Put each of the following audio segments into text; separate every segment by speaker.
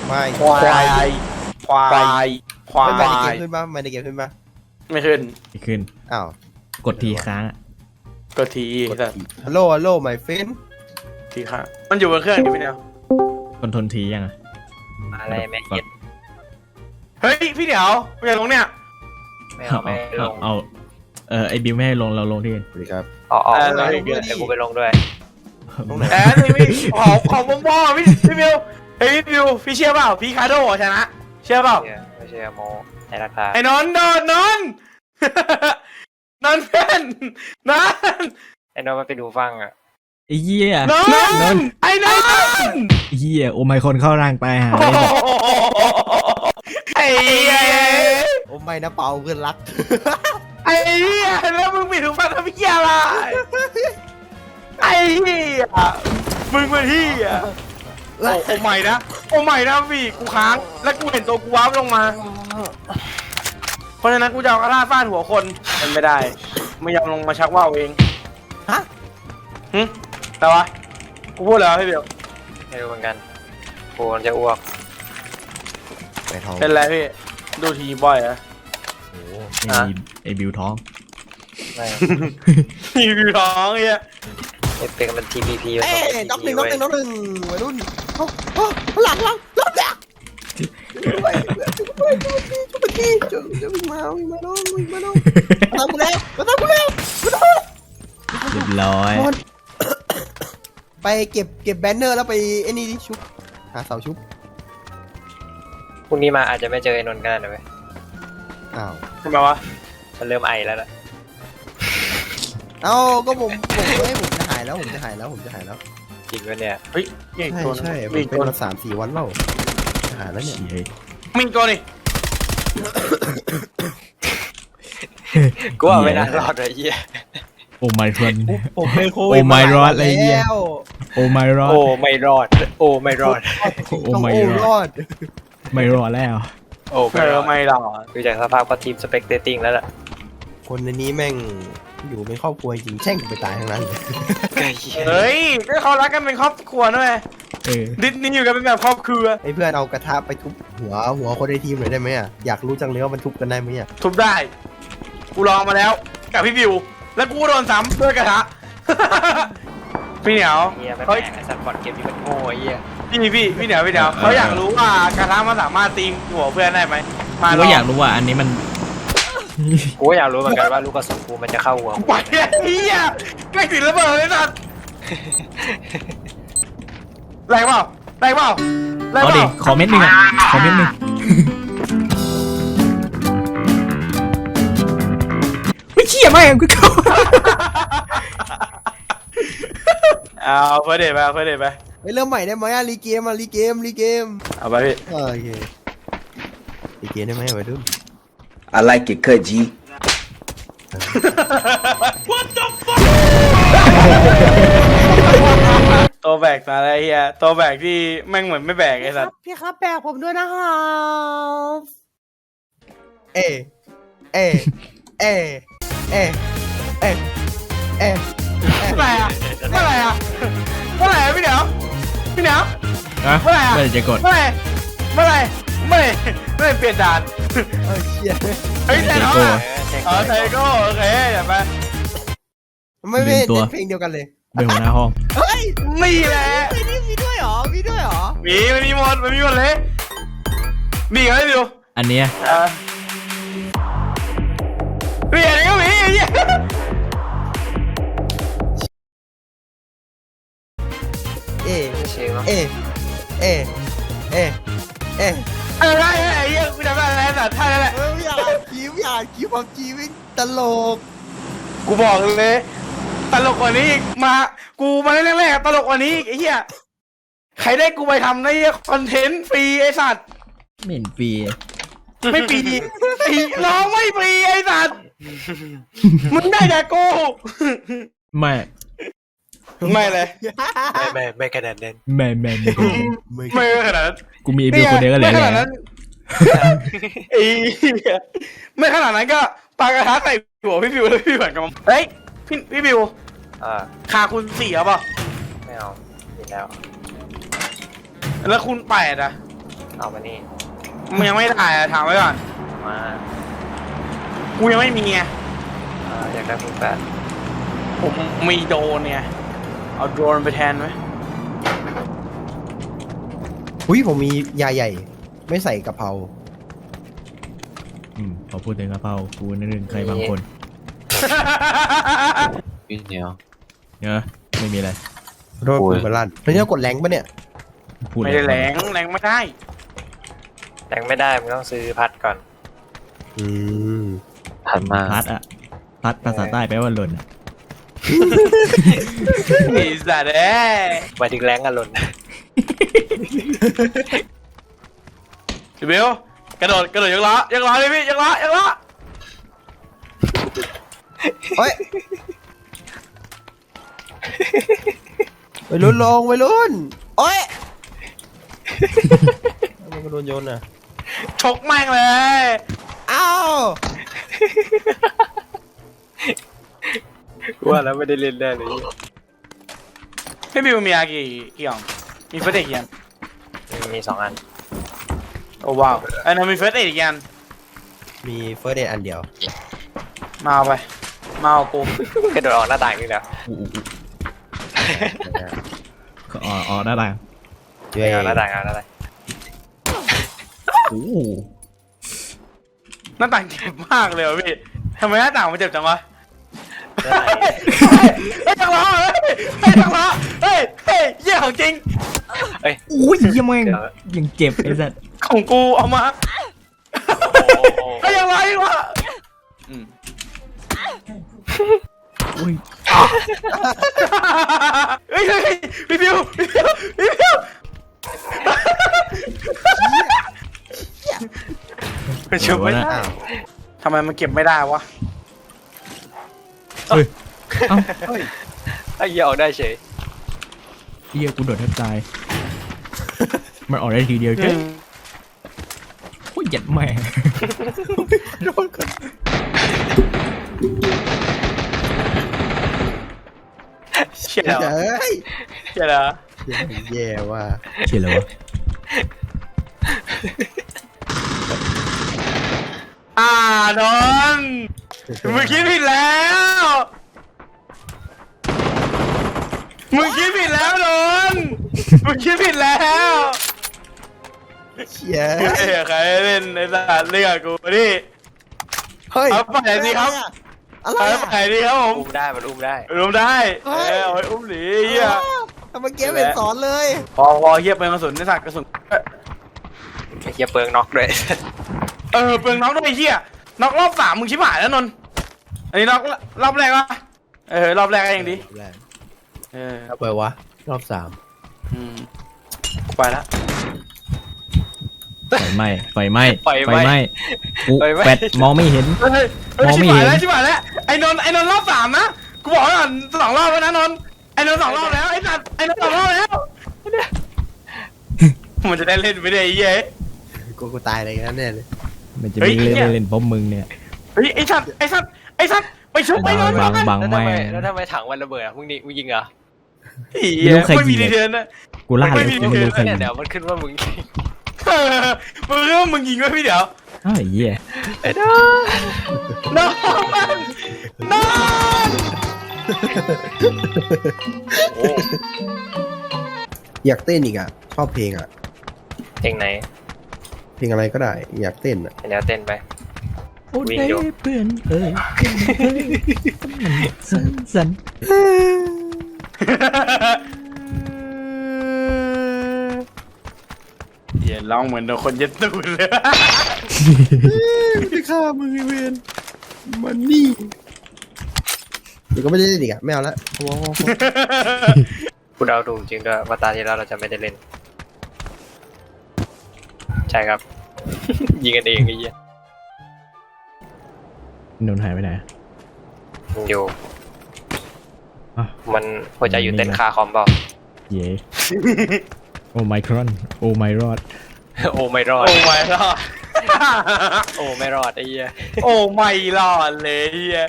Speaker 1: ไม่
Speaker 2: ควายควายควา
Speaker 1: ไม่ได้เกม
Speaker 2: ย
Speaker 1: ขึ้นปะไม่ได้เกมขึ้นปะ
Speaker 2: ไม่ขึ้น
Speaker 3: ไม่ขึ้น
Speaker 1: อ้าว
Speaker 3: กดทีค้างอะ
Speaker 2: กดทีแต่
Speaker 1: ฮัลโหลฮัลโหลไมเฟน
Speaker 2: ทีค่ะมันอยู่บนเครื่องนี่พี่เดียว
Speaker 3: คอนโทรลทียังอะ
Speaker 4: อะไรแม่เกียด
Speaker 2: เฮ้ยพี่เดียวไปลงเนี่ย
Speaker 4: ไม่เอาไม่ลง
Speaker 3: เอาไอบิวไม่ให้ลงเราลงที่อื่น
Speaker 1: สวัสดีครับ
Speaker 4: อ๋อ
Speaker 2: ได้
Speaker 4: เดี๋ยวกูไปลงด้วย
Speaker 1: ตรงไหน
Speaker 2: แอนนี่พี่ของวงพ่อพี่บิวเฮ้ยพี่บิวพี่เชื่อเปล่าพี่คาโดชนะเชื่อเปล่า
Speaker 4: ไม่ใช่โมในราคา
Speaker 2: ไอ้นนท์นนท์นนท์เพื่อนนนท์
Speaker 4: ไอ้น้องมันไปดูฟังอ่ะ
Speaker 3: ไอ้เหี้ย
Speaker 2: นนท์ไอ้นนท์
Speaker 3: ไอ้เหี้ยโอไมคอนเข้าร่างตายหา
Speaker 2: โอ้
Speaker 3: เลย
Speaker 2: โห
Speaker 3: เนี่ย
Speaker 2: ไอ้เหี้ย
Speaker 1: โอ้ไม่นะเปาเพื่อนรัก
Speaker 2: ไอ้เหี้ยแล้วมึงปิดหูฟังทำเหี้ยอะไรไอ้เหี้ยมึงเป็นเหี้ยโอ้ใหม่นะโอ้ใหม่นะพี่กูค้างแล้วกูเห็นตัวกูว้าวลงมาเพราะฉะนั้นกูจะเอากระดาษฟาดหัวคนมันไม่ได้ไม่ยอมลงมาชักว่าวเอง
Speaker 1: ฮะ
Speaker 2: แต่วะกูพูดแล้วพี่เบล
Speaker 4: ไม่รู้เหมือนกันกูจะอ้วก
Speaker 1: ไปทอง
Speaker 2: เป็นไรพี่ดูทีบ่อยเหรอะ
Speaker 1: โอ้
Speaker 3: ไอบิวท้อง
Speaker 4: ไม่
Speaker 2: ทีวีท้องเงี้ย
Speaker 4: เป็นมัน TPP
Speaker 1: เอ้ยน็อกหนึ่งวัยรุ่นหลังรอบแรกชุบกี้วิ่งมาน้องทำกูแล้วมาทำกูแล้ว
Speaker 3: เรียบร้อย
Speaker 1: ไปเก็บแบนเนอร์แล้วไปไอ้นี่ดิชุบหาเสาชุบ
Speaker 4: พรุ่งนี้มาอาจจะไม่เจอไอ้นนท์กันนะเว้ย
Speaker 1: อ้าว
Speaker 2: ทำไมวะ
Speaker 4: มันเริ่มไอแล้วล่ะ
Speaker 1: เอ้าก็ผมจะหายแล้วผมจะหายแล้ว
Speaker 4: จริงวะเนี่ย
Speaker 2: เฮ้ยมีอีกตัวนึง
Speaker 1: ใช่ผม
Speaker 2: มีอีก
Speaker 1: เป็น
Speaker 2: ตัว
Speaker 1: มา3-4 วันแล้วจะหายแล้วเนี่ย
Speaker 3: เชี่ย
Speaker 2: มีอีกตัวนี่
Speaker 4: กูว่าไม่น่ารอดเลยเหี้ย
Speaker 3: โอไมคอน
Speaker 1: ผมเป็นโควิด
Speaker 3: โอ้ my god อะไรเนี่ย โอไมรอด
Speaker 4: โอ้ไม่รอด โอ้ไม่รอด
Speaker 3: โอ้
Speaker 1: ต้อง
Speaker 3: ไม่
Speaker 1: โอ้
Speaker 3: ร
Speaker 1: ร
Speaker 3: อ
Speaker 1: อ
Speaker 3: ด
Speaker 1: ด
Speaker 3: ไม่รอดแล้ว
Speaker 4: โอ้
Speaker 2: เออไม่หรอก
Speaker 4: ดูจากสภาพก็ทีมสเปกเตติ้งแล้วล่ะ
Speaker 1: คนในนี้แม่งอยู่เป็นครอบครัวจริงแช่งกูไปตายทั้งนั้นเลย
Speaker 2: เฮ้ยก็เขารักกันเป็นครอบครัวนะเว้ย
Speaker 3: เออ
Speaker 2: ดิสนีย์อยู่กันเป็นแบบครอบครัว
Speaker 1: ไอ้เพื่อนเอากระทะไปทุบหัวคนในทีมหน่อยได้ไหมอ่ะอยากรู้จังเลยว่ามันทุบกันได้ไหมอ่ะ
Speaker 2: ทุบได้ กูลองมาแล้วกับพี่บิว แล้วกูโดนซ้ำด้วยกระทะ พี่เหนียว
Speaker 4: เหี้ยไม่
Speaker 2: เขา
Speaker 4: แม่งไอ้สัตว์บอลเกมนี้มันโง่ไอ้เหี้ย
Speaker 2: พี่เหนียวเขาอยากรู้ว่ากระทะมันสามารถตีหัวเพื่อนได้ไหมมา
Speaker 3: กู
Speaker 2: ล
Speaker 3: ก็
Speaker 2: อง
Speaker 3: อยากรู้ว่าอันนี้มัน
Speaker 4: กูก็อยากรู้เหมือนกันว่าลูกกระสุนกูมันจะเข้าหัว
Speaker 2: ไปไอ้เหี้ยใกล้ถึงระเบิดเลยสัตว์แรงเปล่าแรงเปล่าแรง
Speaker 3: เอา
Speaker 2: เป
Speaker 3: ดิ
Speaker 2: ล่า
Speaker 3: ขอเม็ดหนึ่งอ่ะขอเม็ดหนึ่งไม่เชี่ยมากกูเข้า
Speaker 2: เอาเฟิร์สเดทไปเอาเฟิร์สเดทไป
Speaker 1: ไปเริ่มใหม่ได้ไหมอ่ะรีเกม
Speaker 2: เอาไปพี่
Speaker 1: โอเครีเกมได้ไหมวัยรุ่น
Speaker 5: I like it, cut G.
Speaker 2: ตัวแบกมาแล้วเฮียตัวแบกที่แม่งเหมือนไม่แบกไอ้สัตว์
Speaker 1: พี่ครับแบกผมด้วยนะครับเอเอเอเอเอเอ
Speaker 2: เมื่อไหร่อะเมื่อไหร่อะเมื่อไหร่อะพี่เหนียวพี่เหนียว
Speaker 3: อะ
Speaker 2: เมื่อไหร่อะ
Speaker 3: ไม่ได้จะกด
Speaker 2: เมื่อไหร่เมื่อไหร่เปลี่ยนด่าน
Speaker 1: เออเชีย
Speaker 2: เฮ้ยแต่น้องอะ
Speaker 4: แทง
Speaker 2: อ๋อไทโก้โอเคอย่าไป
Speaker 1: ไม่เล่นเพลงเดียวกันเลย
Speaker 3: เป็นหัวหน้าห้อง
Speaker 1: เฮ้ย
Speaker 2: นี่แหละ
Speaker 1: นี่มีด้วยเหรอ
Speaker 2: มันมีหมดเลยมีอะไรดู
Speaker 3: อันเนี้ย
Speaker 2: มีอะไรก็มีไอ้เหี้ย
Speaker 1: เอ
Speaker 4: เชงเนาะ
Speaker 1: เอเอเอเอ
Speaker 2: อะไรไอ้เหี้ยกูจำได้แล้วสัตว์ท่านั่นแหละ
Speaker 1: อยากคิวความจีวิงตลก
Speaker 2: กูบอกเลยตลกกว่านี้อีกมากูมาเล่นแรกๆตลกกว่านี้อีกไอ้เหี้ยใครได้กูไปทำในคอนเทนต์ฟรีไอ้สัตว์
Speaker 3: ไม่เห็นฟรี
Speaker 2: ไม่ฟรีไอ้น้องไม่ฟรีไอ้สัตว์มึงได้แต่กู
Speaker 3: ไม่
Speaker 2: ไม่เลย
Speaker 4: ไม่ขนาดนั้น
Speaker 3: ไม่
Speaker 2: ไม่ขนาดนั้น
Speaker 3: กูมีไอบิวคนเดียวก็เหลย
Speaker 2: ไม่ข
Speaker 3: แล้
Speaker 2: นาดนั้
Speaker 3: วน
Speaker 2: ไอ้เหี้ยไม่ขนาดนั้นก็ปากระทะใส่หัวพี่บิวแล้วพี่เหมือนกับเฮ้ยพี่บิว คาคุณ4เอาเปล่ะ
Speaker 4: ไม่เอาผิดแล้ว
Speaker 2: แล้วคุณ8อ่ะ
Speaker 4: เอามานี่
Speaker 2: มึงยังไม่ถ่ายอะถามไว้ก่อน
Speaker 4: มา
Speaker 2: กูยังไม่มีไง
Speaker 4: อยากได้มือแปด
Speaker 2: ผมมีโดรนเนี่ยเอาโดรนไปแทนไหม
Speaker 1: อุ้ยผมมียาใหญ่ ไม่ใส่กะเพรา
Speaker 3: พอพูดถึงกระเพรากูนึกถึงใครบางคน
Speaker 4: พี่เหนียว
Speaker 3: เนอะไม่มีอะไร
Speaker 1: โดนปืนมาลั่นแล้วเนี่ยกดแรงปะเนี่ย
Speaker 3: พูด
Speaker 2: ไม่ได้แรงไม่ได้
Speaker 4: แรงไม่ได้มึงต้องซื้อพัดก่อน
Speaker 1: อืม
Speaker 4: พัดมา
Speaker 3: พัดอะพัดภาษาใต้แปลว่าหล่นอะ
Speaker 2: ไอ้สัตว์เอ้ย
Speaker 4: หมายถึงแรงกันหล่น
Speaker 2: พี่เบลกระโดดยกล้เลยพี่ยกล้
Speaker 1: เฮ้ยไปรุ่นลงไปรุ่นโอ้ยมันก็โดนโยนอ่ะ
Speaker 2: ชกแม่งเลย
Speaker 1: เอ้า
Speaker 4: ว่าแล้วไม่ได้เล่นแน่เลย
Speaker 2: พี่บิวมีอากี่อย่างมีเฟิร์สเอ็ดกี่อัน
Speaker 4: มี2 อัน
Speaker 2: โอ้ว้าวอันนั้นมีเฟิร์สเอ็ดกี่อัน
Speaker 1: มีเฟิร์สเดย์อันเดียว
Speaker 2: มาเอาไปมาเอากู
Speaker 4: กระโดดออกหน้าต่างนี่แหละ
Speaker 3: อ๋อได้ละ
Speaker 1: ช่วย
Speaker 4: เอาหน้าต่างเอาหน้าต่าง
Speaker 3: โอ้
Speaker 2: หน้าต่างเจ็บมากเลยพี่ทำไมหน้าต่างมันเจ็บจังวะเฮ้ยจังหวะเฮ้ยจังหวะเฮ้ยเยี่ยของจริง
Speaker 4: เอ้ย
Speaker 3: โอ้ยยังแม่งยังเจ็บไอ้สัส
Speaker 2: ของกูเอามา
Speaker 4: โอ้
Speaker 2: เฮ้ยยังไงวะ
Speaker 3: โอ้ย
Speaker 2: เฮ้ยพี่บิวเป็นชุบไม่ได้
Speaker 1: อ้าว
Speaker 2: ทำไมมันเก็บไม่ได้วะ
Speaker 3: เฮ้ยเอ้า
Speaker 4: ไอ้เหี้ยออกได้เฉย
Speaker 3: เฮียกูโดดแทบตายมันออกได้ทีเดียวเจ้โอ้ยหยัดแม่
Speaker 1: โดนกัน
Speaker 2: เชี่ยเหรอ
Speaker 1: เฮ้ย
Speaker 2: เชี่ยเหรอ
Speaker 1: แย่ว่ะ
Speaker 3: เชี่ยแล้ววะ
Speaker 2: นนท์มึงคิดผิดแล้วนนท์มึงคิดผิดแล้ว
Speaker 1: เชี่ย
Speaker 2: เฮ้ยใครเล่นในสถานเลือกกูนี่
Speaker 1: เฮ้ย
Speaker 2: เอาไปไหนดีครับ
Speaker 1: อะไร
Speaker 2: ไป
Speaker 1: อะ
Speaker 2: ไหนดีครับผม
Speaker 4: อุ้มได้มันอุ้มได้
Speaker 2: รวมได้เอาไว้อุ้มหนีเฮีย
Speaker 1: ทำไมเกมเป็นสอนเลย
Speaker 2: พอเฮียเปลืองกระสุนในสัตว์กระสุน
Speaker 4: ไอ้เหี้ยเปลืองน็อกด้วย
Speaker 2: เปลืองน็อกด้วยเฮียน็อกรอบ3มึงชิบหายแล้วนนท์อันนี้น็อกรอบแรกวะรอบแรกก็ยังดี
Speaker 1: เอาไปวะรอบ3
Speaker 2: กูไปแล้ว
Speaker 3: ไฟไหม้กูแปดมองไม่เห็น มองไม่เห็น
Speaker 2: ชิบหายแล้วไอ้นนท์รอบ3นะกูบอกก่อน2 รอบแล้วนะนนท์ไอ้นนท์2 รอบแล้วไอ้สัตว์ไอ้นนท์2 รอบแล้วมันจะได้เล่นไม่ได้ไอ้เหี้ย
Speaker 1: กูตายอะไรกันแน่เลย
Speaker 3: มันจะมีเล่นเพราะมึงเนี่ย
Speaker 2: เฮ้ยไอ้สัตว์ไปชุบไปนนท์
Speaker 3: บัง
Speaker 4: แล้ว
Speaker 3: แม่
Speaker 4: ทำไมถังวันระเบิดอ่ะมึงยิงเหรอ
Speaker 2: ไม่มีดีเทนนะ
Speaker 3: กูล่าเลยกูไม่รู้ใคร
Speaker 4: เนี่ย
Speaker 3: ยิง
Speaker 4: เดี๋ยวมันขึ้นว่ามึงยิง
Speaker 2: มึงรู้ว่ามึงยิงไหมพี่เดี๋ยว
Speaker 3: อ้าวไอ้เหี้ย
Speaker 4: ไอ้ด้าน
Speaker 2: นอน
Speaker 4: โอ้
Speaker 1: อยากเต้นอีกอ่ะชอบเพลงอ่ะ
Speaker 4: เพลงไหน
Speaker 1: เพลงอะไรก็ได้อยากเต้นอ่ะ
Speaker 4: เดี๋ยวเต้นไป
Speaker 3: โอ้
Speaker 4: วิ่ง
Speaker 3: ได้
Speaker 4: อยู่
Speaker 3: เพื่อนเอ้ยสัน
Speaker 2: อย่าร้องเหมือนโดนคนเย็ดตูดเลย
Speaker 1: ไม่ฆ่ามึงไอ้เวนมันนี่เดี๋ยวก็ไม่ได้เล่นอีกอ่ะไม่เอาละพอ
Speaker 4: กูเดาถูกจริงด้วยว่าตาที่แล้วเราจะไม่ได้เล่น ใช่ครับ ยิงกันเองไอ้เหี้ย
Speaker 3: นนหายไปไหน
Speaker 4: มันอยู่
Speaker 3: อ่ะ
Speaker 4: มันหัวใจอยู่เต้นคาคอมเปล่า
Speaker 3: เย่โอ้ไมครอนโอ้ไมรอด
Speaker 4: โอ้ไม่รอด
Speaker 2: โอ้ไม่รอด
Speaker 4: โอ้ไม่รอดไอ้เหี้ย
Speaker 2: โอ้ไม่รอดเลยเฮีย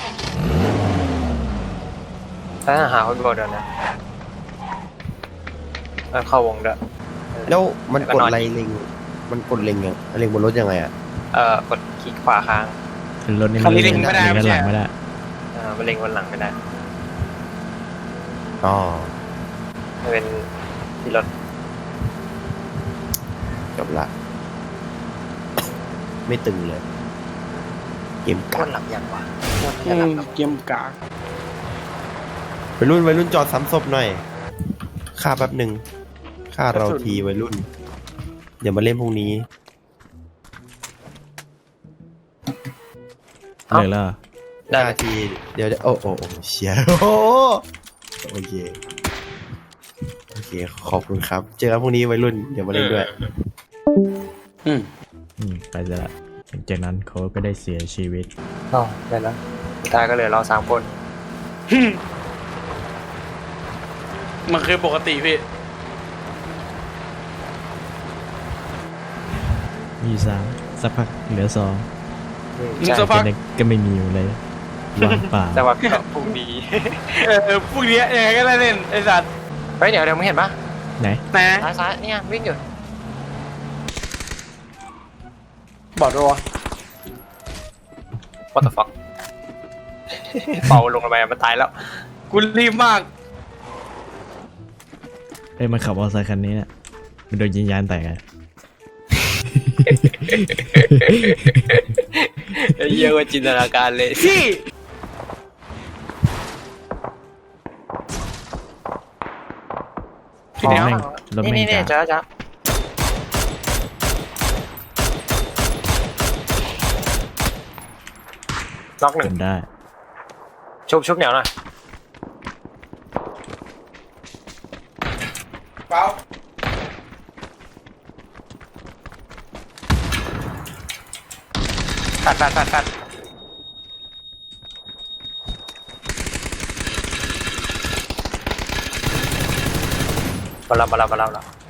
Speaker 4: ถ้าหาคนโกรธนะเข้าวงด้วย
Speaker 1: แล้วมันกดอะไรลิงมันกดเล็งยังเล็งบนรถยังไงอ่ะ
Speaker 4: กดคลิกขวาค้าง
Speaker 3: ขึ้นรถนี่
Speaker 2: คันนี้เล็งไม่ได้
Speaker 3: เล็งด้านหลังไม่ได้
Speaker 4: มันเล็งบนหลังไม่ได้
Speaker 1: อ๋อ
Speaker 4: มันเป็นที่รถ
Speaker 1: จบละ ไม่ตึงเลย เกม
Speaker 4: ก้
Speaker 1: กั
Speaker 4: น
Speaker 1: ด
Speaker 4: หลับยังวะก้นจะหลับแล้ว
Speaker 2: เกมกาก
Speaker 1: วัยรุ่นจอดซ้ำศพหน่อยฆ่าแป๊บหนึ่งฆ่าเราทีวัยรุ่น เดี๋ยวมาเล่นพรุ่งนี้
Speaker 3: เลยแล้ว
Speaker 4: ได้
Speaker 1: ฆ่าทีเดี๋ยวโอ้เชียโอเคขอบคุณครับ เจอกันพรุ่งนี้วัยรุ่นเดี๋ยวมาเล่นด้วย
Speaker 3: ไปซะละหลังจากนั้นเขาก็ได้เสียชีวิต
Speaker 4: อ๋อได้แล้วสุดท้ายก็เหลือเรา3 คน
Speaker 2: มันคือปกติพี่
Speaker 3: มี3สักพักเหลือ2
Speaker 2: มึง
Speaker 4: ใช่
Speaker 2: จะพัก
Speaker 3: ก็ไม่มีอยู่เลยว่างเปล่า
Speaker 4: แต่ว่าก็พรุ่งนี้
Speaker 2: พวกเนี้ยยังไงก็ได้เล่นไอ้สัตว์
Speaker 4: เฮ้ยเดี๋ยวมึงเห็นปะ
Speaker 3: ไหน
Speaker 2: นะ
Speaker 4: ซ้ายเนี่ยวิ่งอยู่
Speaker 2: บอกด้วยวะ
Speaker 4: what the fuck เป่าลงไปมันตายแล้ว
Speaker 2: กูรีบมาก
Speaker 3: เอ้ยมันขับมอเตอร์ไซค์คันนี้เนี่ยมันโดนยิงยานแตกอะ
Speaker 4: เยอะกว่าจินตนาการเลย
Speaker 2: พี่
Speaker 3: รถแม่งรถแม่ง
Speaker 4: นี่
Speaker 3: จ้า
Speaker 4: จ้าล็อกหนึ่ง
Speaker 3: จนได้
Speaker 4: ชุบเหนียวหน่อย
Speaker 2: เปล่า
Speaker 4: ตัดมาแล้ว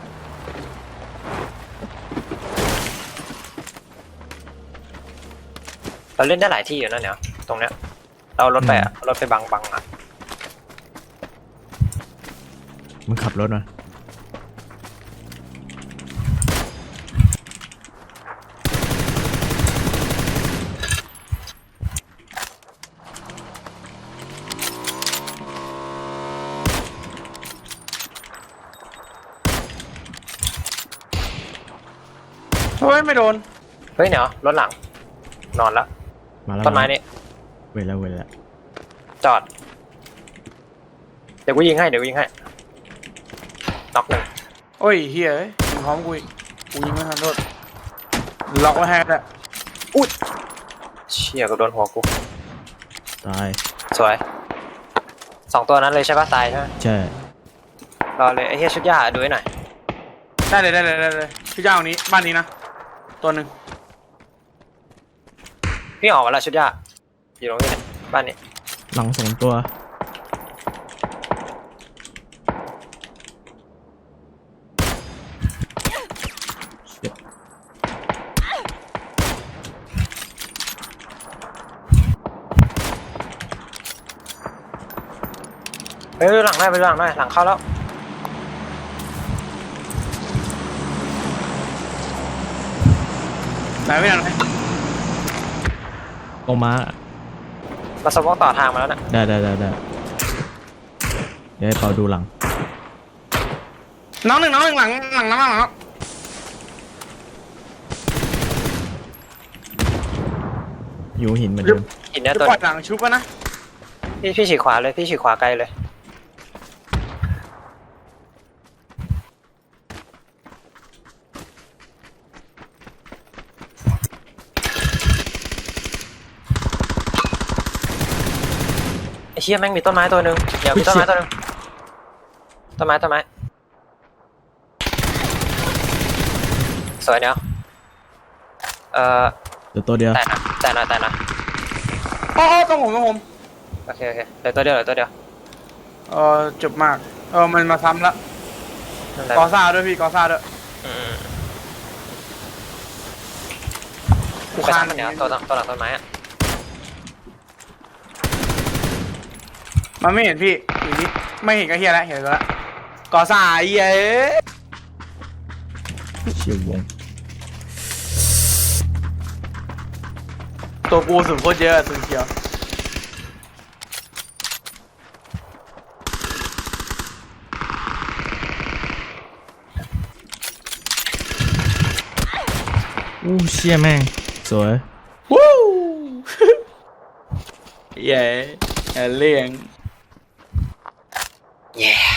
Speaker 4: เราเล่นได้หลายที่อยู่นะเนี่ยตรงเนี้ยเรารถไปรถไปบังอ่ะ
Speaker 3: มึงขับรถมา
Speaker 2: เฮ้ยไม่โดน
Speaker 4: เฮ้ยเนี่ยรถหลังนอนแล้ว
Speaker 3: มาแล้ว
Speaker 4: ต้นไม้นี่
Speaker 3: เวลา
Speaker 4: จอดเดี๋ยวกูยิงให้น็อกหนึ่ง
Speaker 2: โอ้ยเฮียมึงพร้อมกูอีกกูยิงไม่ทันโทษล็อกไว้ให้แล้ว
Speaker 4: เชี่ยก็โดนหัวกู
Speaker 3: ตาย
Speaker 4: สวย2 ตัวนั้นเลยใช่ปะตายใช่ไหม
Speaker 3: ใช่
Speaker 4: รอเลยไอ้เฮียชุดยาดูให้หน่อย
Speaker 2: ได้เลยพี่เจ้านี้บ้านนี้นะตัวหนึ่ง
Speaker 4: พี่ออกมาแล้วชุดยาอยู่ตรงนี้บ้านนี้
Speaker 3: หลัง2 ตัว
Speaker 4: ไปดูหลังได้หลังเข้าแล้ว
Speaker 2: ไหนไม่ทันไหม
Speaker 3: ออกมา
Speaker 4: มาสมองต่อทางมาแล้วนะ
Speaker 3: ได้เดี๋ยวให้เปาดูหลัง
Speaker 2: น้องหนึ่งหลังน้องหลัง
Speaker 3: อยู่หินเหมือนเดิม
Speaker 4: หินเนี่ย
Speaker 2: จะ
Speaker 4: ตัว
Speaker 2: ปล่อยหลังชุบกันนะ
Speaker 4: พี่ฉีกขวาเลยพี่ฉีกขวาไกลเลยไอ้เชี่ยแม่งมีต้นไม้ตัวหนึ่งเดี๋ยวมีต้นไม้ตัวหนึ่งต้นไม้สวยเนาะ
Speaker 3: เดี๋ยวตัวเดียว
Speaker 4: แต่นะ
Speaker 2: อ๋อต้องผม
Speaker 4: โอเคเหลือตัวเดียว
Speaker 2: จบมากมันมาซ้ำละ
Speaker 4: นั่นแหละ
Speaker 2: กอซ่าด้วยพี่กอซ่าด้วย
Speaker 4: กูคานมันเนี่ยตัวหลังต้นไม้อะ
Speaker 2: มันไม่เห็นพี่อยู่นี่ไม่เห็นก็เฮียแล้วเห็นแล้วกอซ่าเฮีย
Speaker 3: เชี่ยววง
Speaker 2: ตัวกูสูงโคตรเยอะสุดเขียว
Speaker 3: อู้เชี่ยแม่งสวย
Speaker 2: วู้เย้เลี่ยง
Speaker 4: yeah